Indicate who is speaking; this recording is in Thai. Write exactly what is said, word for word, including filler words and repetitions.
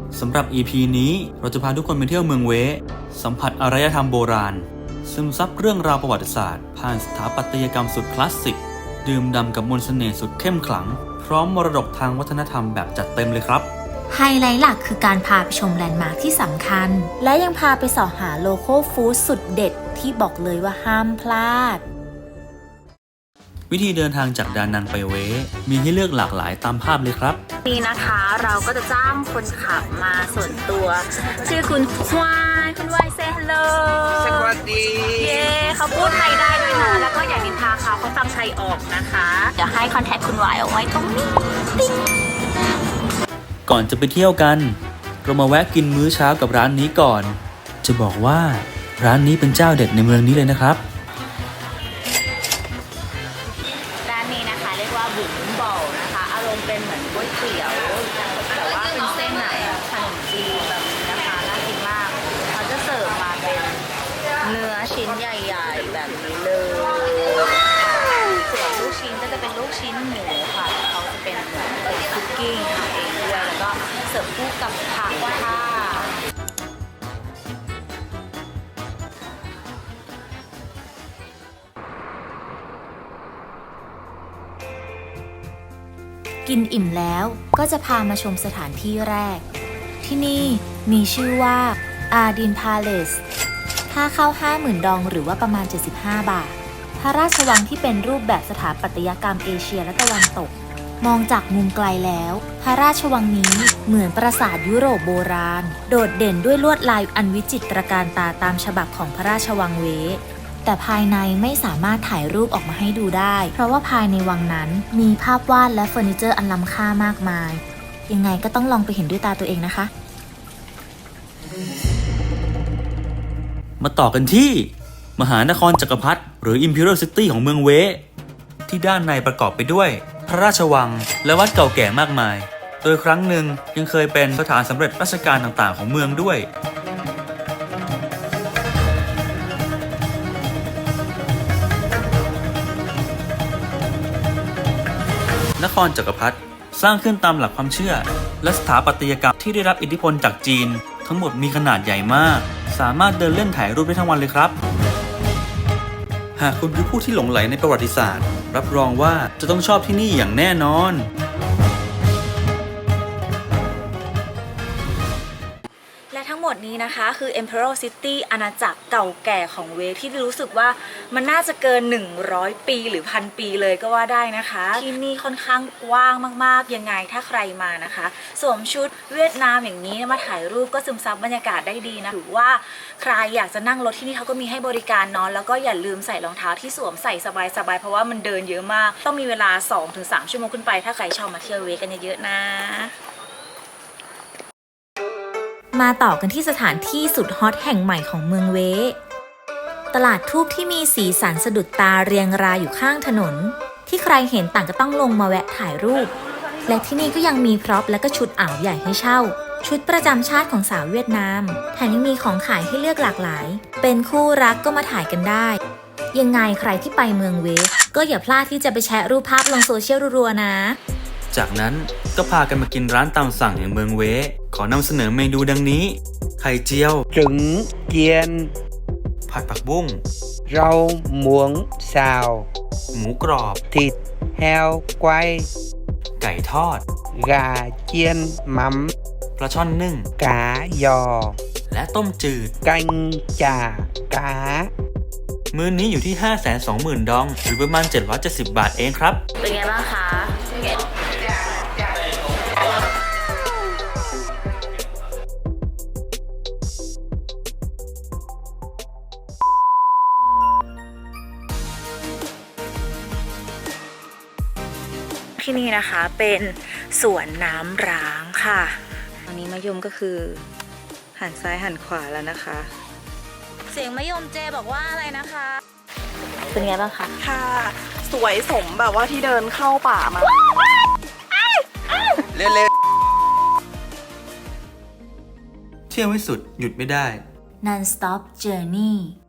Speaker 1: สำหรับ อี พี นี้เราจะพาทุกคนไปเที่ยวเมืองเวสัมผัสอารยธรรมโบราณซึมซับเรื่องราวประวัติศาสตร์ผ่านสถาปัตยกรรมสุดคลาสสิกดื่มด่ำกับมนต์เสน่ห์สุดเข้มขลังพร้อมมรดกทางวัฒนธรรมแบบจัดเต็มเลยครับ
Speaker 2: ไฮไลท์หลักคือการพาไปชมแลนด์มาร์คที่สำคัญและยังพาไปสอหาโลคอลฟู้ดสุดเด็ดที่บอกเลยว่าห้ามพลาด
Speaker 1: วิธีเดินทางจากดานังไปเวมีให้เลือกหลากหลายตามภาพเลยครับ
Speaker 2: นี่นะคะเราก็จะจ้างคนขับมาส่วนตัวชื่อคุณวายคุณวายเซฮัลโหล
Speaker 3: สวัสดี
Speaker 2: เย้เขาพูดไทยได้ด้วยนะแล้วก็อย่านินทาเขาเขาฟังไทยออกนะคะเดี๋ยวให้คอนแทคคุณวายเอาไว้ตรงนี้ติ๊ง
Speaker 1: ก่อนจะไปเที่ยวกันเรามาแวะกินมื้อเช้ากับร้านนี้ก่อนจะบอกว่าร้านนี้เป็นเจ้าเด็ดในเมืองนี้เลยนะครับ
Speaker 2: ร้านนี้นะคะเรียกว่าบุ๋มบ่อนะคะอารมณ์เป็นเหมือนก๋วยเตี๋ยวแต่ว่าเป็นเส้นไหนขนมจีนแบบนี้นะคะน่ากินมากเขาจะเสิร์ฟมาเป็นเนื้อชิ้นใหญ่ๆแบบนี้เลยส่วนลูกชิ้นก็จะเป็นลูกชิ้นหมูค่ะเขาจะเป็นคุกกิ้งทำเองด้วยแล้วก็เสิร์ฟคู่กับผักค่ะกินอิ่มแล้วก็จะพามาชมสถานที่แรกที่นี่มีชื่อว่าอาดินพาเลสค่าเข้า ห้าหมื่น ดองหรือว่าประมาณเจ็ดสิบห้าบาทพระราชวังที่เป็นรูปแบบสถาปัตยกรรมเอเชียและตะวันตกมองจากมุมไกลแล้วพระราชวังนี้เหมือนปราสาทยุโรปโบราณโดดเด่นด้วยลวดลายอันวิจิตรการตาตามฉบับของพระราชวังเวแต่ภายในไม่สามารถถ่ายรูปออกมาให้ดูได้เพราะว่าภายในวังนั้นมีภาพวาดและเฟอร์นิเจอร์อันล้ำค่ามากมายยังไงก็ต้องลองไปเห็นด้วยตาตัวเองนะคะ
Speaker 1: มาต่อกันที่มหานครจักรพรรดิหรือ Imperial City ของเมืองเวที่ด้านในประกอบไปด้วยพระราชวังและวัดเก่าแก่มากมายโดยครั้งหนึ่งยังเคยเป็นสถานสำเร็จราชการต่างๆของเมืองด้วยนครจักรพรรดิสร้างขึ้นตามหลักความเชื่อและสถาปัตยกรรมที่ได้รับอิทธิพลจากจีนทั้งหมดมีขนาดใหญ่มากสามารถเดินเล่นถ่ายรูปได้ทั้งวันเลยครับหากคุณคือผู้ที่หลงใหลในประวัติศาสตร์รับรองว่าจะต้องชอบที่นี่อย่างแน่นอน
Speaker 2: และทั้งหมดนี้นะคะคือ Imperial City อาณาจักรเก่าแก่ของเวที่รู้สึกว่ามันน่าจะเกินหนึ่งร้อยปีหรือพันปีเลยก็ว่าได้นะคะที่นี่ค่อนข้างกว้างมากๆยังไงถ้าใครมานะคะสวมชุดเวียดนามอย่างนี้มาถ่ายรูปก็ซึมซับบรรยากาศได้ดีนะหรือว่าใครอยากจะนั่งรถที่นี่เขาก็มีให้บริการเนาะแล้วก็อย่าลืมใส่รองเท้าที่สวมใส่สบายๆเพราะว่ามันเดินเยอะมากต้องมีเวลา สองถึงสาม ชั่วโมงขึ้นไปถ้าใครชอบมาเที่ยวเวกันเยอะๆนะมาต่อกันที่สถานที่สุดฮอตแห่งใหม่ของเมืองเวตลาดทูบที่มีสีสันสะดุดตาเรียงรายอยู่ข้างถนนที่ใครเห็นต่างก็ต้องลงมาแวะถ่ายรูปและที่นี่ก็ยังมีพร็อพและก็ชุดอ่าวใหญ่ให้เช่าชุดประจำชาติของสาวเวียดนามแถมยังมีของขายให้เลือกหลากหลายเป็นคู่รักก็มาถ่ายกันได้ยังไงใครที่ไปเมืองเวก็อย่าพลาดที่จะไปแชร์รูปภาพลงโซเชียลรัวๆนะ
Speaker 1: จากนั้นก็พากันมากินร้านตามสั่งอย่างเมืองเวขอนำเสนอเมนูดังนี้ไข่เจียว
Speaker 3: จึงเจียน
Speaker 1: ผัดผักบุ้ง
Speaker 3: เราหมวงซาว
Speaker 1: หมูกรอบ
Speaker 3: ติดแฮวไกว
Speaker 1: ไก่ทอด
Speaker 3: กาเจียนมัม
Speaker 1: ปลาช่อนนึ่ง
Speaker 3: กายอ
Speaker 1: และต้มจืด
Speaker 3: กังจากา
Speaker 1: มื้อนี้อยู่ที่ ห้าแสนสองหมื่น ดองหรือประมาณเจ็ดร้อยเจ็ดสิบบาทเองครับ
Speaker 2: เป็นไงบ้างคะที่นี่นะคะเป็นสวนน้ำร้างค่ะตอนนี้มะยมก็คือหันซ้ายหันขวาแล้วนะคะเสียงมะยมเจบอกว่าอะไรนะคะเป็นไงบ้างคะ
Speaker 4: ค่ะสวยสมแบบว่าที่เดินเข้าป่ามา
Speaker 3: เร็ว
Speaker 1: ๆเที่ยวไม่สุดหยุดไม่ได้
Speaker 2: Non-stop journey